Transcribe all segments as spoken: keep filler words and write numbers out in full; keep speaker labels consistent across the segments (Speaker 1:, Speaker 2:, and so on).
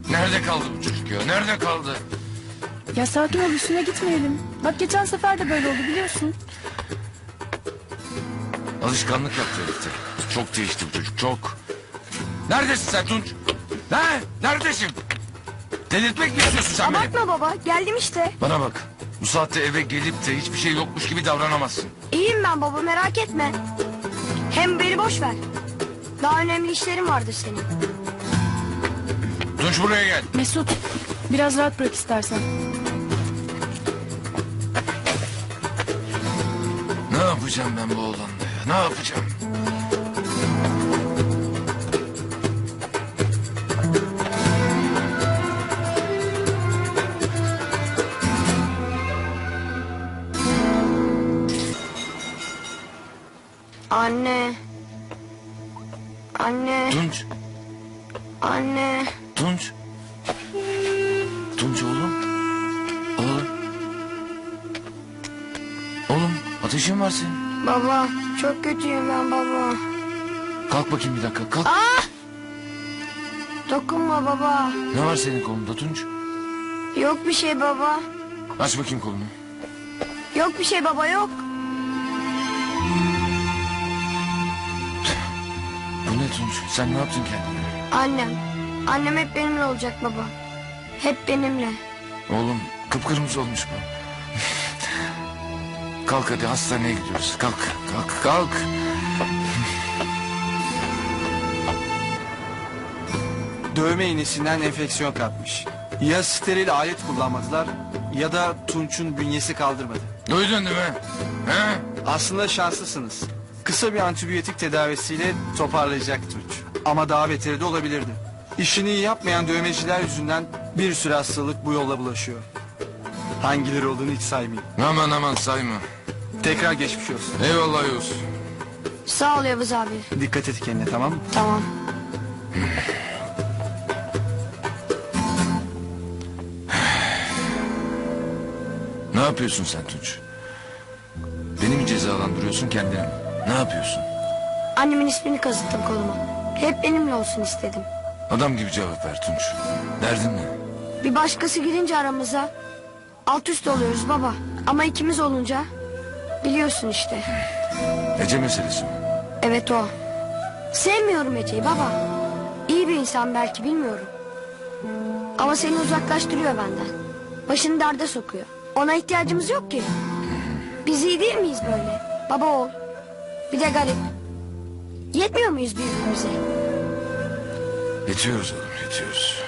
Speaker 1: Nerede kaldı bu çocuk ya? Nerede kaldı?
Speaker 2: Ya sakin ol, üstüne gitmeyelim. Bak geçen sefer de böyle oldu biliyorsun.
Speaker 1: Alışkanlık yaptı herifte. Çok değişti bu çocuk, çok. Neredesin sen Tunç? Ne? Neredesin? Delirtmek mi istiyorsun sen beni?
Speaker 3: Abartma baba, geldim işte.
Speaker 1: Bana bak. Bu saatte eve gelip de hiçbir şey yokmuş gibi davranamazsın.
Speaker 3: İyiyim ben baba, merak etme. Hem beni boş ver. Daha önemli işlerim vardır senin.
Speaker 1: Tunç buraya gel.
Speaker 2: Mesut, biraz rahat bırak istersen.
Speaker 1: Ne yapacağım ben bu oğlanla ya? Ne yapacağım?
Speaker 3: Anne. Anne.
Speaker 1: Tunç.
Speaker 3: Anne.
Speaker 1: Tunç. Tunç oğlum. Oğlum. Oğlum ateşin var senin.
Speaker 3: Baba, çok kötüyüm ben baba.
Speaker 1: Kalk bakayım bir dakika kalk.
Speaker 3: Aa! Dokunma baba.
Speaker 1: Ne var senin kolunda Tunç?
Speaker 3: Yok bir şey baba.
Speaker 1: Aç bakayım kolunu.
Speaker 3: Yok bir şey baba, yok.
Speaker 1: Bu ne Tunç? Sen ne yaptın kendine?
Speaker 3: Annem. Annem hep benimle olacak baba. Hep benimle.
Speaker 1: Oğlum kıpkırmızı olmuş bu. Kalk hadi hastaneye gidiyoruz. Kalk kalk kalk.
Speaker 4: Dövme iğnesinden enfeksiyon kapmış. Ya steril alet kullanmadılar ya da Tunç'un bünyesi kaldırmadı.
Speaker 1: Duydun değil mi? He?
Speaker 4: Aslında şanslısınız. Kısa bir antibiyotik tedavisiyle toparlayacak Tunç. Ama daha beteri de olabilirdi. İşini iyi yapmayan dövmeciler yüzünden bir sürü hastalık bu yolla bulaşıyor. Hangileri olduğunu hiç saymayayım.
Speaker 1: Aman aman sayma.
Speaker 4: Tekrar geçmiş olsun.
Speaker 1: Eyvallah Yavuz.
Speaker 3: Sağ ol Yavuz abi.
Speaker 4: Dikkat et kendine, tamam mı?
Speaker 3: Tamam.
Speaker 1: Ne yapıyorsun sen Tunç? Beni mi cezalandırıyorsun kendini mi? Ne yapıyorsun?
Speaker 3: Annemin ismini kazıttım koluma. Hep benimle olsun istedim.
Speaker 1: Adam gibi cevap ver Tunç. Derdin ne?
Speaker 3: Bir başkası girince aramıza alt üst oluyoruz baba. Ama ikimiz olunca biliyorsun işte.
Speaker 1: Ece meselesi mi?
Speaker 3: Evet o. Sevmiyorum Ece'yi baba. İyi bir insan belki, bilmiyorum. Ama seni uzaklaştırıyor benden. Başını derde sokuyor. Ona ihtiyacımız yok ki. Biz iyi değil miyiz böyle? Baba oğul. Bir de garip. Yetmiyor muyuz birbirimize?
Speaker 1: Yetiyoruz oğlum yetiyoruz.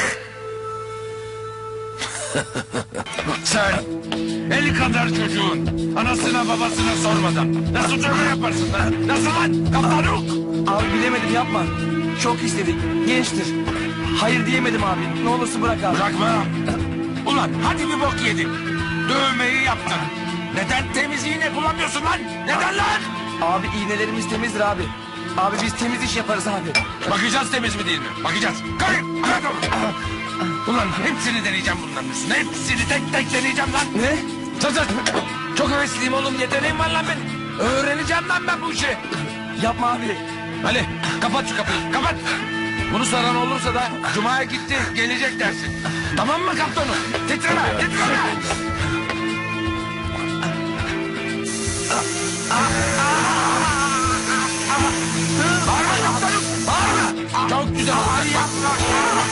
Speaker 1: Sen eli kadar çocuğun anasına babasına sormadan nasıl dövme yaparsın lan? Nasıl lan? Kaptanuk!
Speaker 5: Abi bilemedim, yapma. Çok istedik. Gençtir. Hayır diyemedim abi. Ne olursa bırak abi.
Speaker 1: Bırakma. Ulan hadi bir bok yedin. Dövmeyi yaptın. Neden temiz iğne kullanmıyorsun lan? Neden lan?
Speaker 5: Abi iğnelerimiz temizdir abi. Abi biz temiz iş yaparız abi.
Speaker 1: Bakacağız temiz mi değil mi? Bakacağız. Kalk. Kalk. Ulan hepsini deneyeceğim bunların üstüne. Hepsini tek tek deneyeceğim lan.
Speaker 5: Ne?
Speaker 1: Sus sus. Çok hevesliyim oğlum. Yeteneğim var lan benim. Öğreneceğim lan ben bu işi.
Speaker 5: Yapma abi.
Speaker 1: Ali kapat şu kapıyı. Kapat. Bunu soran olursa da Cuma'ya gitti gelecek dersin. Tamam mı kaptanım? Titreme. Titreme. Bağırma kaptanım. Bağırma. Çok güzel. Ay yapma.